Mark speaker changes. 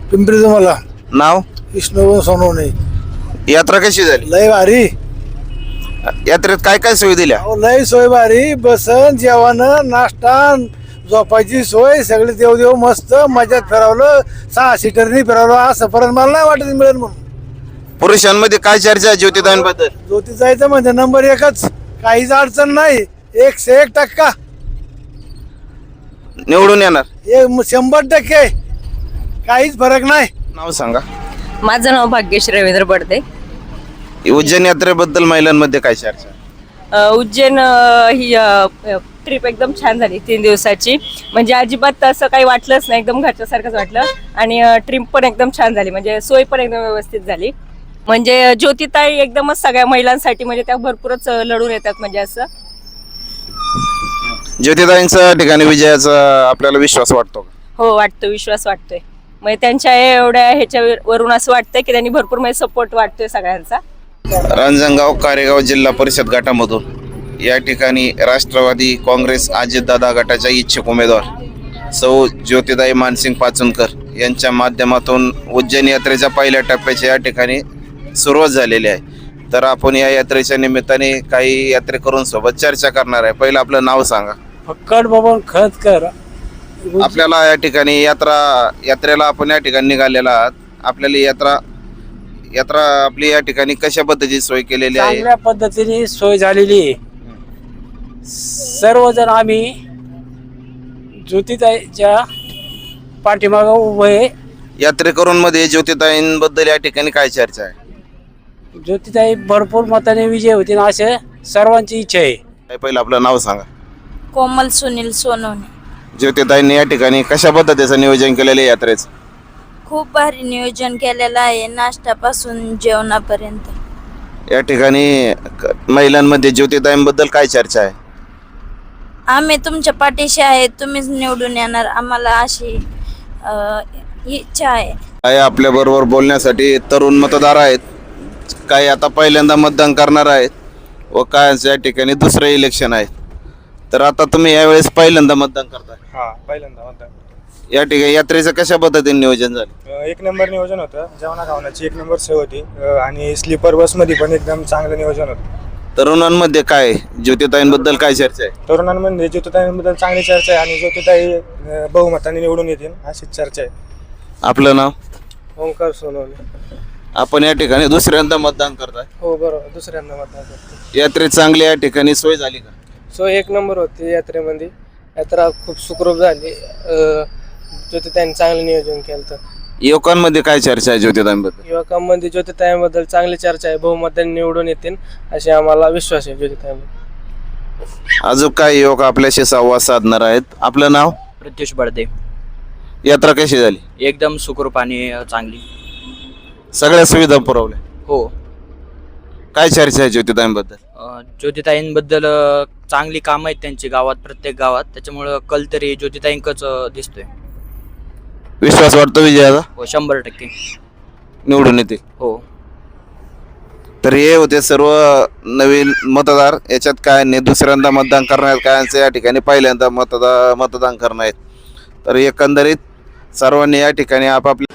Speaker 1: पिंपरी तुम्हाला
Speaker 2: नाव?
Speaker 1: विष्णू सोनवणे.
Speaker 2: यात्रा कशी झाली?
Speaker 1: लय भारी.
Speaker 2: यात्रेत काय काय सोयी दिल्या?
Speaker 1: अहो, लय सोय भारी. बसन जेवण नाश्ता झोपायची सोय सगळे देव मस्त मजात फिरवलं. 6 सीटरनी फिरवलं. असं परत मला नाही वाटत मिळेल म्हणून.
Speaker 2: पुरुषांमध्ये काय चर्चा आहे ज्योतिदांबद्दल?
Speaker 1: ज्योती जायचं म्हणजे नंबर 1च. काहीच अडचण नाही. 101%
Speaker 2: निवडून येणार?
Speaker 1: 100%. काहीच फरक नाही.
Speaker 2: नाव सांगा.
Speaker 3: माझं नाव भाग्यश्री रवींद्र बडदे.
Speaker 2: उज्जैन यात्रेबद्दल महिलांमध्ये काय चर्चा आहे?
Speaker 3: उज्जैन ही ट्रिप एकदम छान झाली 3 दिवसाची. म्हणजे अजिबात असं काही वाटलंच नाही, एकदम घरच्यासारखंच वाटलं. आणि ट्रिप पण एकदम छान झाली, म्हणजे सोय पण एकदम व्यवस्थित झाली. म्हणजे ज्योतिताई एकदमच सगळ्या महिलांसाठी म्हणजे त्या भरपूरच लढून येतात. म्हणजे असं
Speaker 2: ज्योतिदांच्या ठिकाणी विजयाचा आपल्याला विश्वास वाटतो का?
Speaker 3: हो वाटतो, विश्वास वाटतोय. म्हणजे त्यांच्या एवढ्या ह्याच्यावरून असं वाटतंय की त्यांनी भरपूर म्हणजे सपोर्ट वाटतोय सगळ्यांचा.
Speaker 2: रांजणगाव कारेगाव जिल्हा परिषद गटामधून या ठिकाणी राष्ट्रवादी काँग्रेस अजितदादा गटाच्या इच्छुक उमेदवार सौ ज्योतिदाई मानसिंग पाचनकर यांच्या माध्यमातून उज्जैन यात्रेच्या पहिल्या टप्प्याची या ठिकाणी सुरुवात झालेली आहे. तर आपण या यात्रेच्या निमित्ताने काही यात्रेकरूंसोबत चर्चा करणार आहे. पहिलं आपलं नाव सांगा.
Speaker 1: फक्कड बाबा खतकर.
Speaker 2: आपल्याला या ठिकाणी यात्रेला आपण या ठिकाणी निघालेला आहात. आपल्याला यात्रा आपली या ठिकाणी कशा पद्धतीची सोय केलेली आहे?
Speaker 4: चांगल्या पद्धतीने सोय झालेली आहे. सर्वजण आम्ही ज्योतिताईच्या पाठीमागं उभे आहे.
Speaker 2: यात्रेकरूंमध्ये ज्योतिताईंबद्दल या ठिकाणी काय चर्चा आहे?
Speaker 4: ज्योतिताई भरपूर मताने विजय होतील असे सर्वांची इच्छा आहे.
Speaker 2: पहिलं आपलं नाव सांगा.
Speaker 5: कोमल सुनील सोनवणे.
Speaker 2: ज्योतिताईंनी या ठिकाणी कशा पद्धतीचं नियोजन केलेलं आहे यात्रेचं?
Speaker 5: खूप भारी नियोजन केलेलं आहे, नाश्त्यापासून जेवणापर्यंत.
Speaker 2: या ठिकाणी महिलांमध्ये ज्योतिताईंबद्दल काय चर्चा आहे?
Speaker 5: आम्ही तुमच्या पाठीशी आहे, तुम्हीच निवडून येणार आम्हाला अशी इच्छा आहे.
Speaker 2: काय आपल्या बरोबर बोलण्यासाठी तरुण मतदार आहेत, काही आता पहिल्यांदा मतदान करणार आहेत व काय या ठिकाणी दुसरं इलेक्शन आहे. तर आता तुम्ही यावेळेस पहिल्यांदा मतदान करताय?
Speaker 6: हा, पहिल्यांदा मतदान.
Speaker 2: या ठिकाणी यात्रेचं कशा पद्धतीने नियोजन झालं?
Speaker 6: 1 नंबर नियोजन होतं. जेवणा खावण्याची 1 नंबर सोय होती आणि स्लीपर बसमध्ये पण एकदम चांगलं नियोजन होतं.
Speaker 2: तरुणांमध्ये काय ज्योतिताईंबद्दल काय चर्चा आहे?
Speaker 6: तरुणांमध्ये ज्योतिताईंबद्दल चांगली चर्चा आहे आणि ज्योतिताई बहुमताने निवडून येतील अशीच चर्चा आहे.
Speaker 2: आपलं नाव?
Speaker 6: ओंकार सोनवणे.
Speaker 2: आपण या ठिकाणी दुसऱ्यांदा मतदान करताय?
Speaker 6: हो बरोबर, दुसऱ्यांदा मतदान करतो.
Speaker 2: यात्रेत चांगली या ठिकाणी सोय झाली का?
Speaker 6: सोय 1 नंबर होती यात्रेमध्ये. यात्रा खूप सुखरूप झाली. ज्योतिताईंनी चांगलं नियोजन केलं. तर
Speaker 2: युवकांमध्ये काय चर्चा आहे ज्योतिताईंबद्दल?
Speaker 6: युवकांमध्ये ज्योतिताईंबद्दल चांगली चर्चा आहे, बहुमताने निवडून येतील असे आम्हाला विश्वास आहे ज्योतिताईंबद्दल.
Speaker 2: अजून काय युवक आपल्याशी संवाद साधणार आहेत. आपलं नाव?
Speaker 7: प्रत्युष बडदे.
Speaker 2: यात्रा कशी झाली?
Speaker 7: एकदम सुखरूप आणि चांगली.
Speaker 2: सगळ्या सुविधा पुरवल्या?
Speaker 7: हो.
Speaker 2: काय चर्चा आहे ज्योतिताईंबद्दल?
Speaker 7: ज्योतिताईंबद्दल चांगली कामं आहेत त्यांची गावात, प्रत्येक गावात. त्याच्यामुळं कल तरी ज्योतिताईंकच दिसतोय.
Speaker 2: विश्वास वाटतो विजयाचा?
Speaker 7: हो, 100%
Speaker 2: निवडून येते.
Speaker 7: हो.
Speaker 2: तर हे होते सर्व नवीन मतदार. याच्यात काय नाही, दुसऱ्यांदा मतदान करणार कायांचं या ठिकाणी पहिल्यांदा मतदान करणार आहेत. तर एकंदरीत सर्वांनी या ठिकाणी आपापल्या